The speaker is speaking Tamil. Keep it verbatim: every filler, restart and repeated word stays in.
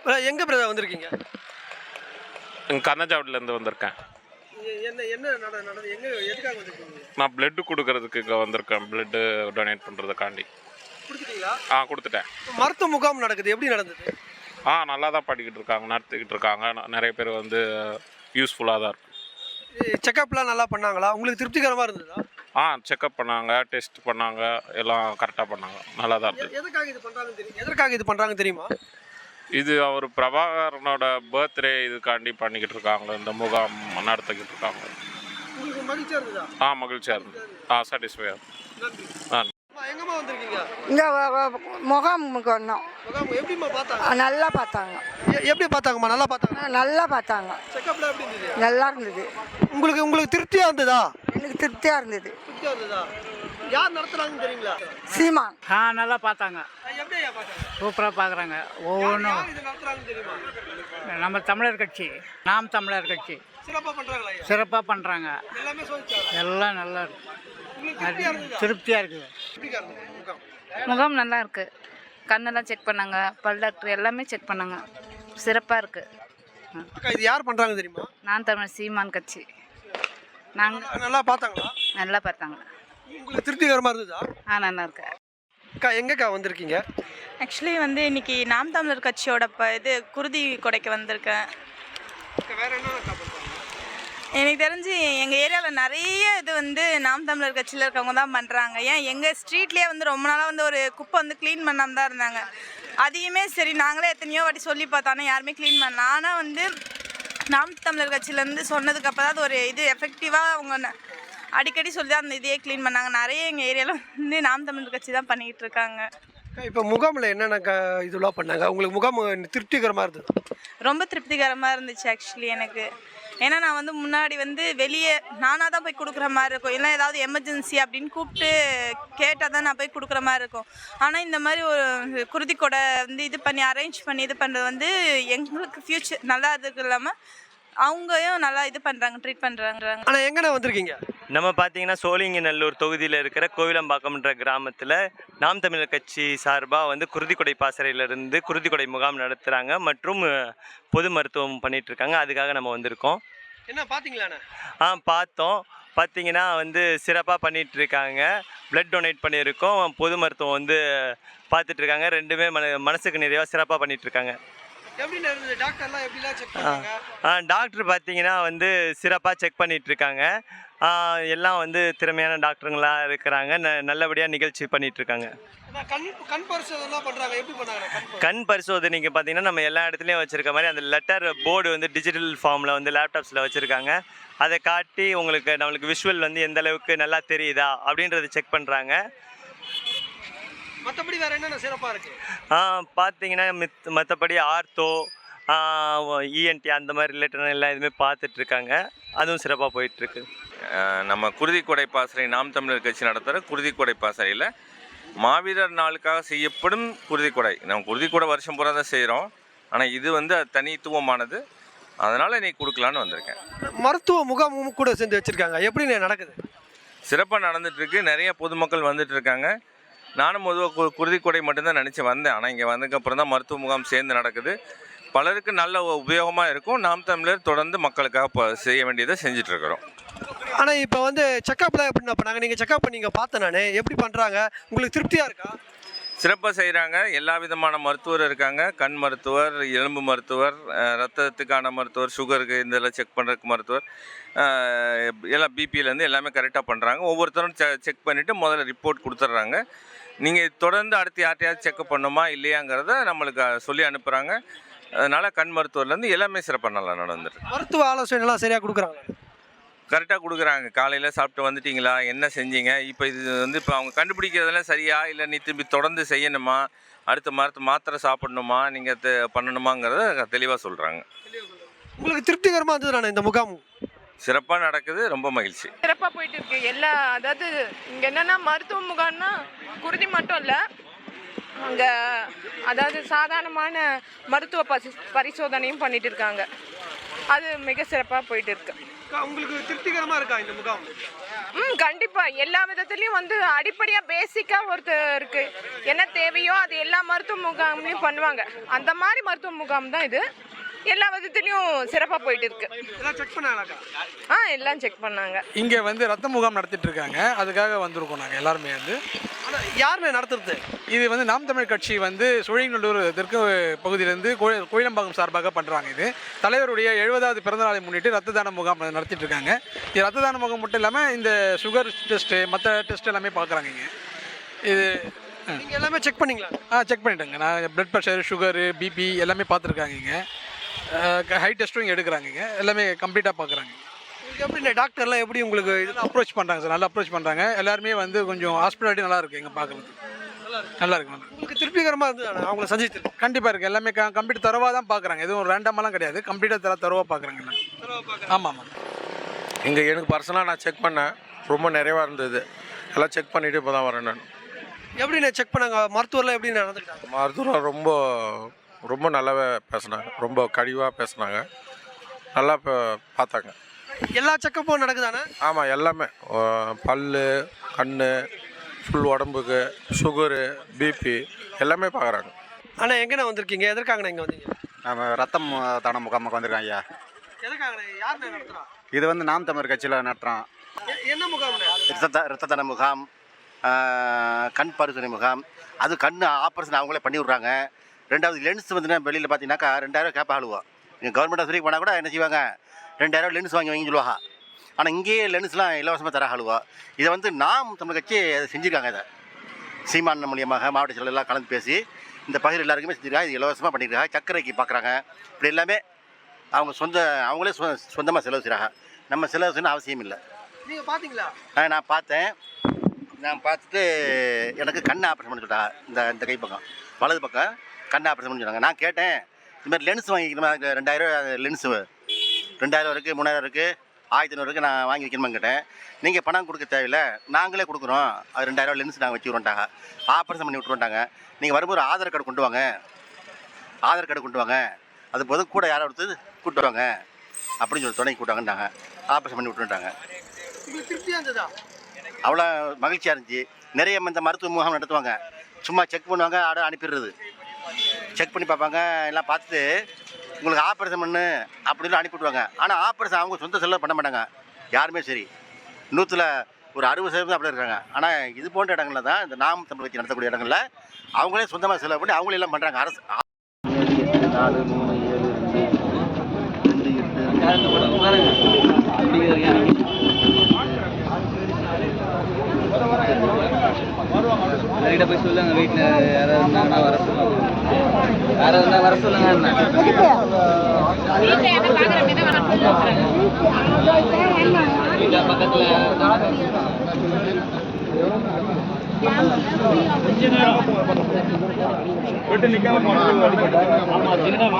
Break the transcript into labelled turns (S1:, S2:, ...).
S1: எங்கே பிரதர் வந்திருக்கீங்க?
S2: கர்ணாஜாவிலேருந்து வந்திருக்கேன்.
S1: என்ன என்ன நடந்தது? எங்கே எதுக்காக வந்திருக்கீங்க?
S2: நான் பிளட்டு கொடுக்கறதுக்கு இங்கே வந்திருக்கேன். பிளட்டு டொனேட் பண்ணுறதுக்காண்டி.
S1: கொடுத்துட்டீங்களா?
S2: ஆ கொடுத்துட்டேன்.
S1: மருத்துவ முகாம் நடக்குது, எப்படி நடந்தது?
S2: ஆ நல்லா தான் பண்ணிக்கிட்டு இருக்காங்க, நடத்திக்கிட்டு இருக்காங்க. நிறைய பேர் வந்து யூஸ்ஃபுல்லாக தான் இருக்குது.
S1: செக்கப்லாம் நல்லா பண்ணாங்களா? உங்களுக்கு திருப்திகரமாக இருந்ததா?
S2: ஆ செக்கப் பண்ணாங்க, டெஸ்ட் பண்ணாங்க, எல்லாம் கரெக்டாக பண்ணாங்க. நல்லா தான் இருந்தது.
S1: எதுக்காக இது பண்ணுறாங்கன்னு தெரியும் எதற்காக இது பண்ணுறாங்க தெரியுமா?
S2: இது அவர் பிரபாகரனோட பர்த்டே இதுக்காண்டி பண்ணிக்கிட்டு இருக்காங்க. இந்த முகாம் நடத்திக்கிட்டு இருக்காங்க.
S1: உங்களுக்கு மகிழ்ச்சியாக இருந்ததா?
S2: ஆ மகிழ்ச்சியாக இருந்தது. ஆ சாட்டிஸ்ஃபையாக
S1: நன்றி.
S2: ஆ
S1: எங்கம்மா வந்திருக்கீங்க?
S3: இங்கே முகாமுக்கு வந்தோம்.
S1: முகாம் எப்படிம்மா பார்த்தாங்க?
S3: நல்லா பார்த்தாங்க.
S1: எ- எப்படி பார்த்தாங்கம்மா? நல்லா பார்த்தாங்க.
S3: நல்லா பார்த்தாங்க.
S1: செக்கப்லாம் எப்படி இருந்தது?
S3: நல்லா இருந்தது.
S1: உங்களுக்கு உங்களுக்கு திருப்தியாக இருந்ததா?
S3: எனக்கு திருப்தியாக இருந்தது.
S1: திருப்தியாக இருந்ததா? யார் நடத்துறாங்கன்னு தெரியுங்களா?
S3: சீமான்.
S4: ஆ நல்லா பார்த்தாங்க.
S1: எப்படி ஐயா பார்த்தாங்க?
S4: சூப்பராக பார்க்குறாங்க. ஒவ்வொன்றும்
S1: யார் இது நடத்துறாங்கன்னு தெரியுமா?
S4: நம்ம தமிழர் கட்சி, நாம் தமிழர் கட்சி
S1: சிறப்பாக பண்ணுறாங்களா ஐயா?
S4: சிறப்பாக பண்ணுறாங்க.
S1: எல்லாமே சொல்லிச்சாங்க.
S4: எல்லாம் நல்லா இருக்கு.
S1: உங்களுக்கு திருப்தியாக இருந்ததா?
S4: திருப்தியாக இருக்குது.
S1: எப்படிக்கா இருந்தது முகாம்?
S5: முகாம் நல்லா இருக்கு. கண்ணெல்லாம் செக் பண்ணாங்க, பல் டாக்டர் எல்லாமே செக் பண்ணாங்க. சிறப்பாக இருக்கு.
S1: அக்கா இது யார் பண்ணுறாங்க தெரியுமா?
S5: நான் தமிழ் சீமான் கட்சி. நாங்கள்
S1: நல்லா பார்த்தாங்களா?
S5: நல்லா பார்த்தாங்க.
S1: உங்களுக்கு திருப்திகரமாக இருந்ததா?
S5: ஆ நல்லா இருக்கு.
S1: அக்கா எங்கக்கா வந்திருக்கீங்க?
S6: ஆக்சுவலி வந்து இன்னைக்கு நாம் தமிழர் கட்சியோட ப இது குருதி கொடைக்கு வந்திருக்கேன்.
S1: அக்கா வேற என்னக்கா பண்ணுறாங்க?
S6: எனக்கு தெரிஞ்சு எங்கள் ஏரியாவில் நிறைய இது வந்து நாம் தமிழர் கட்சியில் இருக்கவங்க தான் பண்ணுறாங்க. ஏன் எங்கள் ஸ்ட்ரீட்லேயே வந்து ரொம்ப நாளாக வந்து ஒரு குப்பை வந்து க்ளீன் பண்ணாமல் தான் இருந்தாங்க. அதையுமே சரி நாங்களே எத்தனையோ வாட்டி சொல்லி பார்த்தோன்னா யாருமே க்ளீன் பண்ணல. ஆனால் வந்து நாம் தமிழர் கட்சியிலேருந்து சொன்னதுக்கு அப்போ தான் அது ஒரு இது எஃபெக்டிவாக அவங்க ந- அடிக்கடி சொல்லி தான் அந்த இதையே க்ளீன் பண்ணாங்க. நிறைய எங்கள் ஏரியாவில் வந்து நாம் தமிழர் கட்சி தான் பண்ணிக்கிட்டு இருக்காங்க.
S1: அக்கா இப்போ முகாமில் என்னென்ன க இதெல்லாம் பண்ணாங்க? உங்களுக்கு முகாம் திருப்திகரமாக இருந்தது?
S6: ரொம்ப திருப்திகரமாக இருந்துச்சு ஆக்சுவலி எனக்கு. ஏன்னா நான் வந்து முன்னாடி வந்து வெளியே நானாக தான் போய் கொடுக்குற மாதிரி இருக்கும். இல்லை ஏதாவது எமர்ஜென்சி அப்படின்னு கூப்பிட்டு கேட்டால் தான் நான் போய் கொடுக்குற மாதிரி இருக்கும். ஆனால் இந்த மாதிரி ஒரு குருதி கொடை வந்து இது பண்ணி அரேஞ்ச் பண்ணி இது பண்ணுறது வந்து எங்களுக்கு ஃப்யூச்சர் நல்லா இதுக்கு இல்லாமல் அவங்களையும் நல்லா இது பண்ணுறாங்க, ட்ரீட் பண்ணுறாங்க.
S1: ஆனால் எங்கண்ணா வந்திருக்கீங்க?
S7: நம்ம பார்த்தீங்கன்னா சோழிங்கநல்லூர் தொகுதியில் இருக்கிற கோவிலம்பாக்கம்ன்ற கிராமத்தில் நாம் தமிழர் கட்சி சார்பாக வந்து குருதிக்கொடை பாசறையிலிருந்து குருதிக்கொடை முகாம் நடத்துகிறாங்க மற்றும் பொது மருத்துவம் பண்ணிகிட்ருக்காங்க. அதுக்காக நம்ம வந்திருக்கோம்.
S1: என்ன பார்த்தீங்களாண்ணா?
S7: ஆ பார்த்தோம். பார்த்தீங்கன்னா வந்து சிறப்பாக பண்ணிகிட்ருக்காங்க. பிளட் டொனேட் பண்ணியிருக்கோம், பொது மருத்துவம் வந்து பார்த்துட்ருக்காங்க. ரெண்டுமே மன மனசுக்கு நிறைவாக சிறப்பாக பண்ணிகிட்ருக்காங்க.
S1: எப்படி இருந்தது? டாக்டர்லாம் எப்படிலாம் செக் பண்ணாங்க?
S7: ஆ டாக்டர் பார்த்தீங்கன்னா வந்து சிறப்பாக செக் பண்ணிகிட்ருக்காங்க. எல்லாம் வந்து திறமையான டாக்டருங்களாக இருக்கிறாங்க. ந நல்லபடியாக நிகழ்ச்சி பண்ணிகிட்ருக்காங்க.
S1: கண் கண் பரிசோதனைலாம் பண்ணுறாங்க, எப்படி பண்ணாங்க?
S7: கண் பரிசோதனைக்கு பார்த்தீங்கன்னா நம்ம எல்லா இடத்துலையும் வச்சுருக்க மாதிரி அந்த லெட்டர் போர்டு வந்து டிஜிட்டல் ஃபார்மில் வந்து லேப்டாப்ஸில் வச்சுருக்காங்க. அதை காட்டி உங்களுக்கு நம்மளுக்கு விஷுவல் வந்து எந்த அளவுக்கு நல்லா தெரியுதா அப்படின்றத செக் பண்ணுறாங்க.
S1: மற்றபடி வேறு என்னென்ன சிறப்பாக இருக்குது?
S7: பார்த்தீங்கன்னா மித் மற்றபடி ஆர்த்தோ, இஎன்டி அந்த மாதிரி ரிலேட்டடான எல்லாம் இதுவுமே பார்த்துட்ருக்காங்க. அதுவும் சிறப்பாக போயிட்டுருக்கு.
S8: நம்ம குருதிக்கொடை பாசறை நாம் தமிழர் கட்சி நடத்துகிற குருதிக்கொடை பாசறையில் மாவீரர் நாளுக்காக செய்யப்படும் குருதிக்கொடை. நம்ம குருதிக்கொடை வருஷம் பூரா தான் செய்கிறோம். ஆனால் இது வந்து அது தனித்துவமானது. அதனால் இன்றைக்கி கொடுக்கலான்னு வந்திருக்கேன்.
S1: மருத்துவ முகாமும் கூட சேர்ந்து வச்சுருக்காங்க, எப்படி நடக்குது?
S8: சிறப்பாக நடந்துகிட்ருக்கு. நிறைய பொதுமக்கள் வந்துட்டு இருக்காங்க. நானும் பொதுவாக கு குருதிக்கொடை மட்டும்தான் நினச்சி வந்தேன். ஆனால் இங்கே வந்ததுக்கப்புறம் தான் மருத்துவ முகாம் சேர்ந்து நடக்குது. பலருக்கு நல்ல உபயோகமாக இருக்கும். நாம் தமிழர் தொடர்ந்து மக்களுக்காக இப்போ செய்ய வேண்டியதை செஞ்சிட்ருக்கிறோம்.
S1: ஆனால் இப்போ வந்து செக்கப்லாம் எப்படி பண்ணாங்க? நீங்கள் செக்கப் பண்ணி இங்கே பார்த்தேன் நான், எப்படி பண்ணுறாங்க? உங்களுக்கு திருப்தியாக இருக்கா?
S8: சிறப்பாக செய்கிறாங்க. எல்லா விதமான மருத்துவர் இருக்காங்க. கண் மருத்துவர், எலும்பு மருத்துவர், ரத்தத்துக்கான மருத்துவர், சுகருக்கு இந்த இதெல்லாம் செக் பண்ணுறதுக்கு மருத்துவர், எல்லாம் பிபியிலேருந்து எல்லாமே கரெக்டாக பண்ணுறாங்க. ஒவ்வொருத்தரும் செ செக் பண்ணிவிட்டு முதல்ல ரிப்போர்ட் கொடுத்துட்றாங்க. நீங்கள் தொடர்ந்து அடுத்து யார்ட்டையாவது செக்கப் பண்ணுமா இல்லையாங்கிறத நம்மளுக்கு சொல்லி அனுப்புகிறாங்க. அதனால் கண் மருத்துவர்லேருந்து எல்லாமே சிறப்பாக நல்லா நடந்துருக்கு.
S1: மருத்துவ ஆலோசனைலாம் சரியாக கொடுக்குறாங்க?
S8: கரெக்டாக கொடுக்குறாங்க. காலையில் சாப்பிட்டு வந்துட்டிங்களா, என்ன செஞ்சீங்க, இப்போ இது வந்து இப்போ அவங்க கண்டுபிடிக்கிறதெல்லாம் சரியா இல்லை நீ திரும்பி தொடர்ந்து செய்யணுமா, அடுத்த மரத்து மாத்திரை சாப்பிடணுமா, நீங்கள் தெ பண்ணணுமாங்கிறத தெளிவாக சொல்கிறாங்க.
S1: உங்களுக்கு திருப்திகரமாக இருந்தது நான் இந்த முகாம்?
S8: சிறப்பாக நடக்குது. ரொம்ப மகிழ்ச்சி.
S9: சிறப்பாக போயிட்டு இருக்கு. எல்லா அதாவது இங்கே என்னென்னா மருத்துவ முகாம்னா குருதி மட்டும் இல்லை, அங்கே அதாவது சாதாரணமான மருத்துவ பசி பரிசோதனையும் பண்ணிட்டு இருக்காங்க. அது மிக சிறப்பாக போயிட்டு இருக்கு.
S1: உங்களுக்கு திருப்திகரமாக இருக்கா இந்த முகாம்?
S9: ம் கண்டிப்பாக எல்லா விதத்துலேயும் வந்து அடிப்படையாக பேசிக்காக ஒருத்தருக்கு என்ன தேவையோ அது எல்லா மருத்துவ முகாம்லையும் பண்ணுவாங்க. அந்த மாதிரி மருத்துவ முகாம் தான் இது. எல்லா விதத்துலையும் சிறப்பாக போயிட்டு இருக்கு.
S1: எல்லாம் செக் பண்ணாங்களாக்கா?
S9: ஆ எல்லாம் செக் பண்ணாங்க.
S10: இங்கே வந்து ரத்த முகாம் நடத்திட்டு இருக்காங்க, அதுக்காக வந்திருக்கோம் நாங்கள் எல்லாருமே வந்து.
S1: ஆனால் யாருமே நடத்துறது?
S10: இது வந்து நாம் தமிழ் கட்சி வந்து சோழிங்கநல்லூர் தெற்கு பகுதியிலேருந்து கோயி கோயிலம்பாக்கம் சார்பாக பண்ணுறாங்க. இது தலைவருடைய எழுபதாவது பிறந்தநாளை முன்னிட்டு ரத்த தான முகாம் நடத்திட்டு இருக்காங்க. இது ரத்த தான முகாம் மட்டும் இல்லாமல் இந்த சுகர் டெஸ்ட்டு மற்ற டெஸ்ட் எல்லாமே பார்க்குறாங்க இங்கே. இது
S1: நீங்கள் எல்லாமே செக் பண்ணீங்களா?
S10: ஆ செக் பண்ணிட்டேங்க. நான் பிளட் ப்ரெஷர், சுகரு, பிபி எல்லாமே பார்த்துருக்காங்க இங்கே. ஹை டெஸ்ட்டும் இங்கே எடுக்கிறாங்க இங்கே. எல்லாமே கம்ப்ளீட்டாக பார்க்குறாங்க.
S1: உங்களுக்கு எப்படி டாக்டர்லாம் எப்படி உங்களுக்கு இது
S10: அப்ரோச் பண்ணுறாங்க சார், நல்லா அப்ரோச் பண்ணுறாங்க. எல்லாருமே வந்து கொஞ்சம் ஹாஸ்பிட்டாலிட்டி நல்லா இருக்குது இங்கே பார்க்குறதுக்கு. நல்லா இருக்கு நல்லா.
S1: உங்களுக்கு திருப்திகரமாக இருந்தது அவங்கள சந்தித்து?
S10: கண்டிப்பாக இருக்குது. எல்லாமே க கம்ப்ளீட் தரவாக தான் பார்க்குறாங்க. எதுவும் ரேண்டமெல்லாம் கிடையாது, கம்ப்ளீட்டாக தர தரவாக பார்க்குறாங்க எல்லாம். ஆமாம் ஆமாம்.
S11: இங்கே எனக்கு பர்சனலாக நான் செக் பண்ணேன், ரொம்ப நிறைவாக இருந்தது. எல்லாம் செக் பண்ணிவிட்டு இப்போ தான் வரேன் நான்.
S1: எப்படி நான் செக் பண்ணாங்க? மருத்துவர்லாம் எப்படி நடந்துக்கிட்டாங்க?
S11: மருத்துவர் ரொம்ப ரொம்ப நல்லாவே பேசினாங்க, ரொம்ப கழிவாக பேசினாங்க, நல்லா இப்போ பார்த்தாங்க.
S1: எல்லா செக்கப்பும் நடக்குதானே?
S11: ஆமாம், எல்லாமே பல், கண், ஃபுல் உடம்புக்கு, சுகரு, பிபி எல்லாமே பார்க்குறாங்க.
S1: ஆனால் எங்கண்ணா வந்திருக்கீங்க? எதற்காங்கண்ணா இங்கே வந்தீங்க?
S12: நம்ம ரத்தம் தான முகாமுக்கு வந்திருக்கோம் ஐயா.
S1: எதற்காங்கண்ணா? யாருண்ணா நடத்துகிறா?
S12: இது வந்து நாம் தமிழர் கட்சியில் நடத்துகிறோம்.
S1: என்ன முகாம்ண்ணா?
S12: ரத்த ரத்த தான முகாம், கண் பரிசோதனை முகாம். அது கண் ஆப்ரேஷன் அவங்களே பண்ணி விட்றாங்க. ரெண்டாவது லென்ஸ் வந்து வெளியில் பார்த்தீங்கன்னாக்கா ரெண்டாயிரம் கேப்ப ஆளுவோம். நீங்கள் கவர்மெண்ட் ஆஸ்பத்திரிக்கு போனால் கூட என்ன செய்வாங்க, ரெண்டாயிரம் லென்ஸ் வாங்கி வாங்கி சொல்லுவாங்க. ஆனால் இங்கேயே லென்ஸ்லாம் இலவசமாக தர ஆளுவோம். இதை வந்து நாம் தமிழ் கட்சி அதை செஞ்சுருக்காங்க. இதை சீமான் மூலியமாக மாவட்ட செயலர் எல்லாம் கலந்து பேசி இந்த பகுதியில் எல்லாருக்குமே செஞ்சுருக்காங்க. இது இலவசமாக பண்ணியிருக்காங்க. சர்க்கரைக்கு பார்க்குறாங்க. இப்படி எல்லாமே அவங்க சொந்த அவங்களே சொ சொந்தமாக செலவு செய்கிறாங்க. நம்ம செலவு செய்யணும் அவசியம் இல்லை.
S1: நீங்கள் பார்த்தீங்களா?
S12: ஆ நான் பார்த்தேன். நான் பார்த்துட்டு எனக்கு கண் ஆப்ரேஷன் பண்ணி சொல்லிட்டாங்க. இந்த இந்த கை பக்கம் வலது பக்கம் கண் ஆப்ரேஷன் பண்ணி சொன்னாங்க. நான் கேட்டேன், இதுமாதிரி லென்ஸ் வாங்கிக்கணுமா, ரெண்டாயிரம் லென்ஸு ரெண்டாயிரம் இருக்குது, மூணாயிரம் இருக்குது, ஆயிரத்தி ஐநூறு இருக்குது, நான் வாங்கி வைக்கணுமான்னு கேட்டேன். நீங்கள் பணம் கொடுக்க தேவையில்லை, நாங்களே கொடுக்குறோம், அது ரெண்டாயிரம் லென்ஸ் நாங்கள் வச்சு விட்றோன்ட்டாங்க. ஆப்ரேஷன் பண்ணி விட்ருவோன்ட்டாங்க. நீங்கள் வரும்போது ஆதார் கார்டு கொண்டு வாங்க, ஆதார் கார்டு கொண்டு வாங்க, அது போதும் கூட யாரை ஒருத்தர் கூப்பிட்டு வாங்க அப்படின்னு சொல்லி துணைக்கு கூப்பிட்டாங்கன்னாங்க. ஆப்ரேஷன் பண்ணி விட்டுருட்டாங்க.
S1: உங்களுக்கு திருப்தியாக இருந்ததா?
S12: அவ்வளோ மகிழ்ச்சியாக இருந்துச்சு. நிறைய இந்த மருத்துவ முகாம் நடத்துவாங்க. சும்மா செக் பண்ணுவாங்க, ஆட அனுப்பிடுறது. செக் பண்ணி பார்ப்பாங்க, எல்லாம் பார்த்துட்டு உங்களுக்கு ஆப்ரேஷன் பண்ணு அப்படின்னு அனுப்பிவிடுவாங்க. ஆனால் ஆப்ரேஷன் அவங்க சொந்த செலவு பண்ண மாட்டாங்க யாருமே. சரி, நூற்றில் ஒரு அறுபது சதவீதம் அப்படி இருக்காங்க. ஆனால் இது போன்ற இடங்களில் தான் இந்த நாம் தமிழ் கட்சி நடத்தக்கூடிய இடங்களில் அவங்களே சொந்தமாக செலவு பண்ணி அவங்களே எல்லாம் பண்ணுறாங்க. அரசு நாலு மூணு ஏழு ரெண்டு எட்டு போய் சொல்லுங்க. வீட்டில் யாராவது இருந்தாங்கன்னா வர சொல்லுங்க. யாராவது இருந்தால் வர சொல்லுங்க. பக்கத்தில்